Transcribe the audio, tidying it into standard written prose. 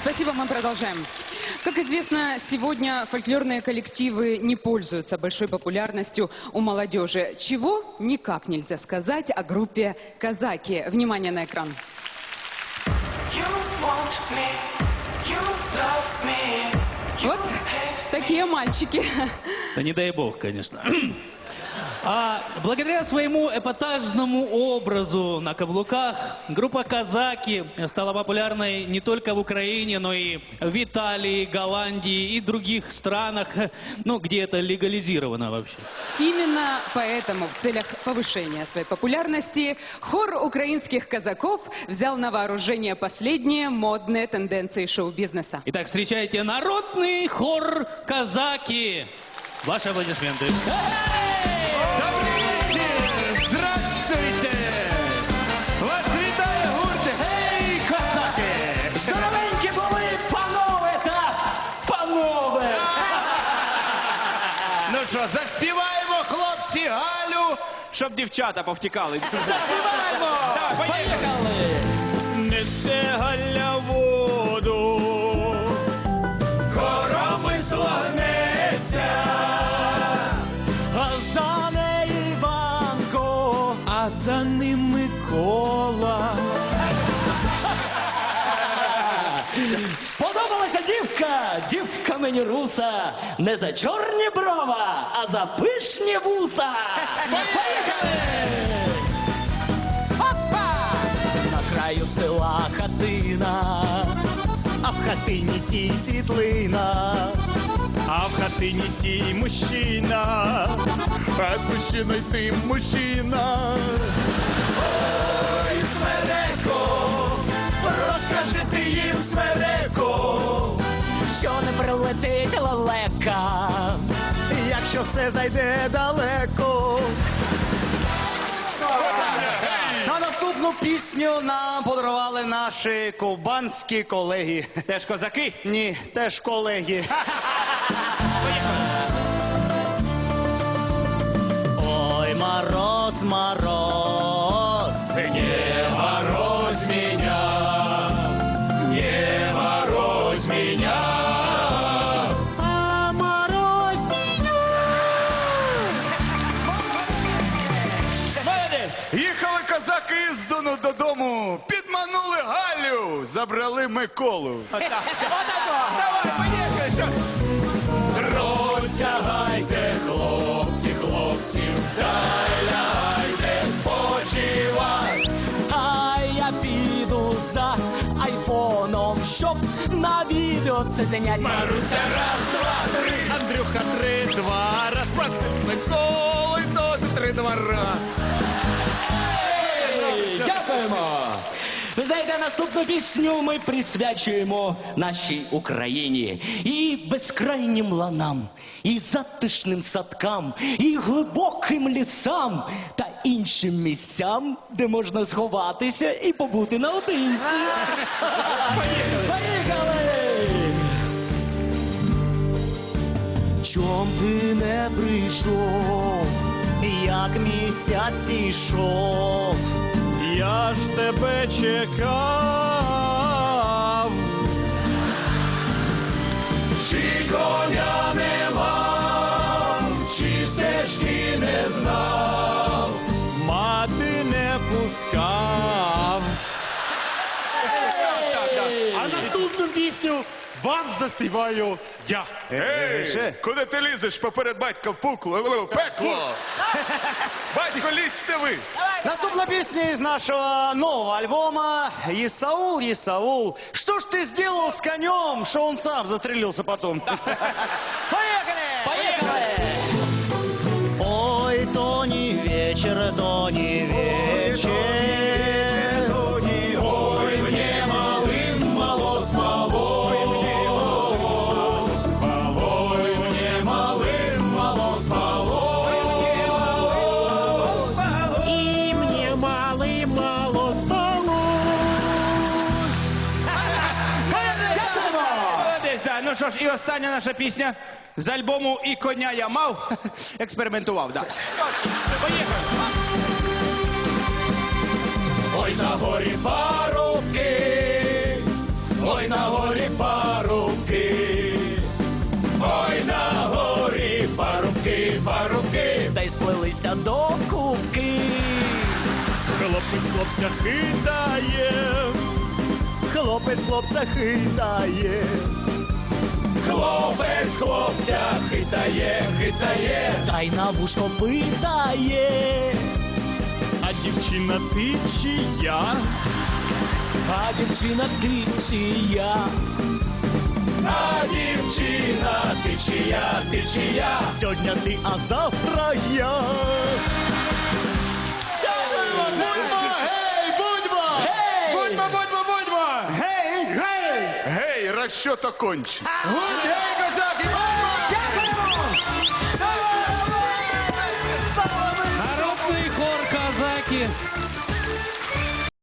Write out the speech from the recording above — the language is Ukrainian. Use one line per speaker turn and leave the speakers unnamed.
Спасибо, мы продолжаем. Как известно, сегодня фольклорные коллективы не пользуются большой популярностью у молодежи. Чего никак нельзя сказать о группе «Казаки». Внимание на экран. Вот такие мальчики.
Да не дай бог, конечно. Благодаря своему эпатажному образу на каблуках группа «Казаки» стала популярной не только в Украине, но и в Италии, Голландии и других странах, ну, где это легализировано вообще.
Именно поэтому в целях повышения своей популярности хор украинских казаков взял на вооружение последние модные тенденции шоу-бизнеса.
Итак, встречайте народный хор «Казаки». Ваши аплодисменты.
Добрий вечір! Здравствуйте! Вас вітає гурт «Гей, козаки!»
Здоровенькі були, панове та панове!
Ну що, заспіваємо, хлопці, Галю, щоб дівчата повтікали.
Заспіваємо!
Давай, поїхали! Несе Галя воду, коромисло гнеться,
А за неї Іванко,
а за ним Микола.
сподобалася дівка, дівка мені руса, не за чорні брова, а за пишні вуса. Поїхали! Опа! На краю села хатина, а в хатині тій світлина.
А в хатині тій мужчина, а з мужчиною ти мужчина.
Ой, Смереко, розкажи ти їм, Смереко, що не прилетить лелека, якщо все зайде далеко.
На наступну пісню нам подарували наші ковбанські колеги.
Теж козаки?
Ні, теж колеги. Ой, мороз, мороз,
Не морозь меня, не морозь меня.
а мороз меня.
Їхали козаки з Дону додому, підманули Галю, забрали Миколу. Давай, поїхали, що? Розтягайте, хлопці, хлопців, дай лягайте спочивать.
А я піду за айфоном, щоб на відео це зайнять.
Маруся, раз, два, три. Андрюха, три, два, раз. Василь з Миколою теж три, два, раз.
Дякуємо! Ви знаєте, наступну пісню ми присвячуємо нашій Україні. І безкрайнім ланам, і затишним садкам, і глибоким лісам та іншим місцям, де можна сховатися і побути наодинці. Поїхали! Чом ти не прийшов, як місяць ішов?
Я ж тебе чекав. Чи коня не мав, чи стежки не знав, мати не пускав.
А наступну пісню вам заспіваю я.
Ей, куди ти лізеш поперед батька в пекло? Батько, лізьте ви.
Наступна песня из нашего нового альбома «Исаул, Исаул, что ж ты сделал с конем, что он сам застрелился потом?» Поехали!
Поїхали!
Ой, то не вечер,
Ой, мне малым мало спалось. Ой, мне малым мало спалось.
и мне мало спалось.
Молодець, да. Ну що ж, і остання наша пісня з альбому «І коня я мав». Експериментував, да. Поїхали. Ой, на горі парубки,
Ой, на горі парубки, ой, на горі парубки, парубки, та й сплелися до кубки.
Хлопець хлопця хитає, хлопець хлопця хитає.
Хлопець хлопця хитає, хитає, та й на вушко питає.
А дівчина ти чи я?
А дівчина ти чия? А дівчина ти чия, ти чия?
Сьогодні ти, а завтра я. Будьмо, гей, будьмо!
Будьмо, будьмо, будьмо!
Гей, гей!
Гей, расчета конч! Гей, козаки!